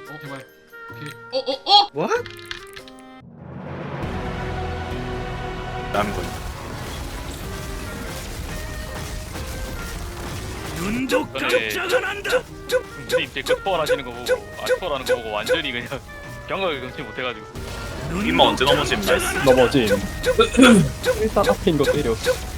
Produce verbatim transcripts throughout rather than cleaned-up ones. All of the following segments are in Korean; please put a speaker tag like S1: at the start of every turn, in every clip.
S1: 어 제발. 오케이. 어어 어.
S2: What? 남은 거.
S3: 근데 이제 그 투어를 하시는 거 보고 아 투어라는 거 보고 완전히 그냥 경각을 금치 못해가지고
S2: 임마 언제 넘어짐 나이스.
S4: 넘어짐. 일단 앞에 있는 거 때려.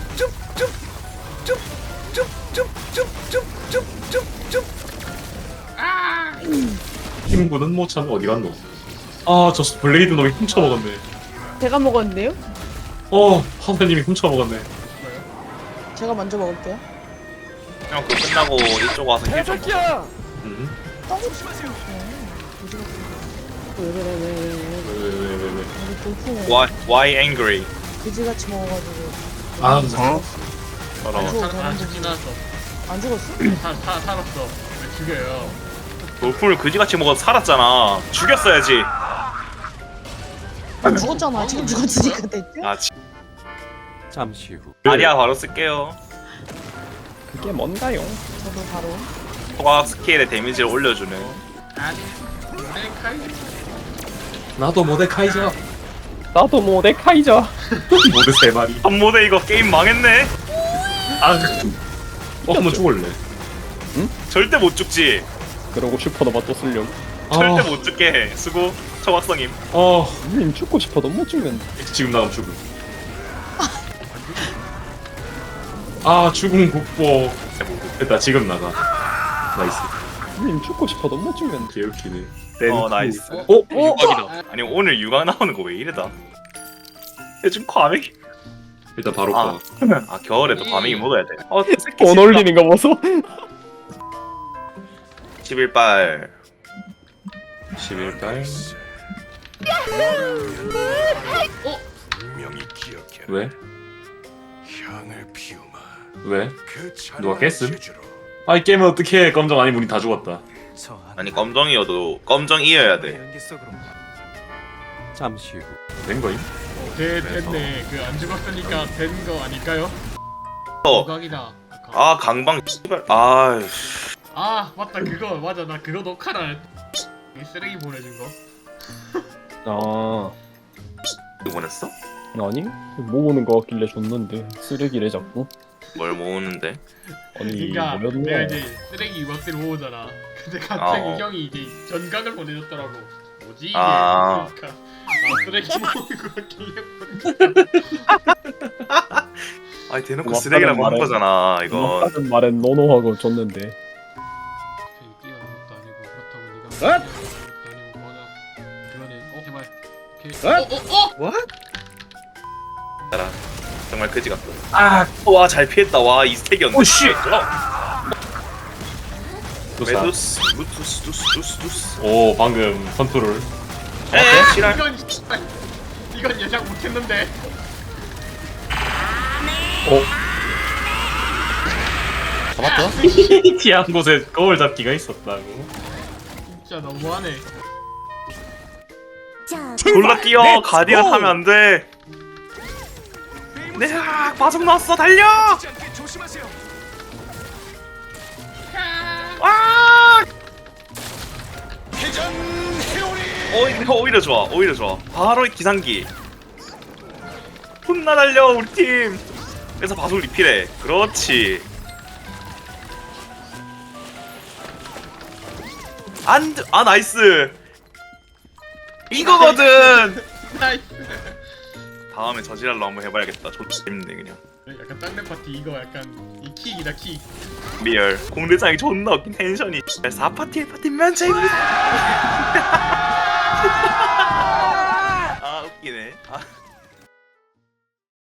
S5: 팀구는 뭐 참 어디 갔노? 아, 저 블레이드 놈이 훔쳐 먹었네.
S6: 제가 먹었는데요?
S5: 어, 하사님이 훔쳐 먹었네.
S6: 제가 먼저 먹을게요.
S2: 형 그거 끝나고 이쪽 와서 힐 좀.
S5: 음.
S6: 왜 그래 왜 왜 왜?
S5: 왜, 왜, 왜, 왜, 왜.
S6: 우리 돌풍을
S2: Why why angry?
S6: 그지같이 먹어가지고.
S5: 아,
S6: 안 죽어
S2: 더러워.
S6: 안
S1: 사람
S6: 죽어
S1: 지나갔어.
S6: 안 죽었어?
S1: 사, 사, 살았어. 왜 죽여요?
S2: 돌풍을 그지같이 먹어서 살았잖아. 죽였어야지.
S6: 안 죽었잖아. 지금 죽었으니까 됐죠?
S2: 아 지.
S4: 잠시 후.
S2: 아리아 바로 쓸게요.
S4: 그게 뭔가요?
S6: 저도 바로.
S2: 소각 스케일의 데미지를 올려주는.
S1: 아니. 모데카이.
S5: 나도 모데카이저.
S4: 나도 모데카이저.
S5: 모데 세 마리.
S2: 한 모대 이거 게임 망했네.
S5: 아, 어, 한번 죽을래.
S2: 절대 못 죽지.
S4: 그러고 슈퍼노바 또 쓸렴.
S2: 절대
S5: 아,
S2: 못 죽게 해. 수고 초각성임.
S5: 어,
S4: 님 죽고 싶어도 못 죽는데.
S5: 지금 나가면 죽음. 아, 죽음 국보. 됐다, 지금 나가. 나이스.
S4: 님 죽고 싶어도 못 죽는데.
S5: 개웃기네.
S2: 어 나이스.
S5: 어?
S3: 유각이다.
S2: 아니 오늘 육아 나오는 거 왜 이래다? 요즘 과메기.
S5: 일단 바로
S2: 아,
S5: 가.
S2: 아 겨울에 또 과메기 먹어야 돼. 어
S4: 돈 올리는 거 보소.
S2: 십일 발.
S5: 십일 달.
S7: 분명히 기억해라.
S5: 왜?
S7: 향을 피우마.
S5: 왜?
S7: 그
S5: 누가 깼음?
S7: 제주로
S5: 아, 이 게임은 어떻게 검정 아니 우리 다 죽었다.
S2: 아니 검정이어도 검정이어야 돼.
S4: 잠시 후.
S5: 된 거임?
S1: 네, 됐네. 그 안 죽었으니까 된 거 아닐까요?
S2: 어.
S1: 조각이다.
S2: 아 강방 씨발. 아
S1: 아 맞다 그거 맞아 나 그거 녹화를 이 쓰레기 보내준 거.
S4: 아
S2: 이거 보냈어?
S4: 아니 모으는 거 같길래 줬는데 쓰레기래 자꾸.
S2: 뭘 모으는데?
S4: 아니
S1: 그러니까
S4: 뭐였노?
S1: 내가 이제 쓰레기 유박들 모으잖아. 근데 갑자기
S2: 아, 어.
S1: 형이 이제 전각을 보내줬더라고. 뭐지 이게?
S2: 아.
S1: 그러니까 아 쓰레기 모으는 거 같길래.
S2: 아니 대놓고
S4: 고맙다는
S2: 쓰레기라고 한
S4: 말에-
S2: 거잖아 이거.
S4: 하는 말엔 노노하고 줬는데.
S1: 뛰어난 것도 아니고 그렇다고 네가 뛰어난 것도 아니고 뭐냐. 그러네. 어 제발. 오케이. 어 어 어.
S2: 따라. 정말 그지 같다. 아, 와 잘 피했다. 와 이 스택이었네. 오씨. 메두스, 무투스, 두스, 두스, 두스.
S5: 오, 방금 컨트롤.
S2: 에, 실화.
S1: 이건 씨발, 이건 예상 못했는데.
S5: 어? 잡았다? 피한 곳에 거울 잡기가 있었다고.
S1: 진짜 너무하네.
S2: 졸라 뛰어. 가디언 하면 안 돼. 내가 마중 나왔어. 달려. 와! 오히려, 오히려 좋아. 오히려 좋아. 바로 이 기상기. 혼나 달려 우리 팀. 그래서 바속 리필해. 그렇지. 안, 돼. 아 나이스. 이거거든.
S1: 나이스.
S2: 다음에 저지랄로 한번 해봐야겠다. 좋지 재밌네 그냥.
S1: 약간 땅내 파티 이거 약간 이 킥이다 킥.
S2: 리얼 공대장이 존나 웃긴 텐션이 사 파티에 파티면 재밌다.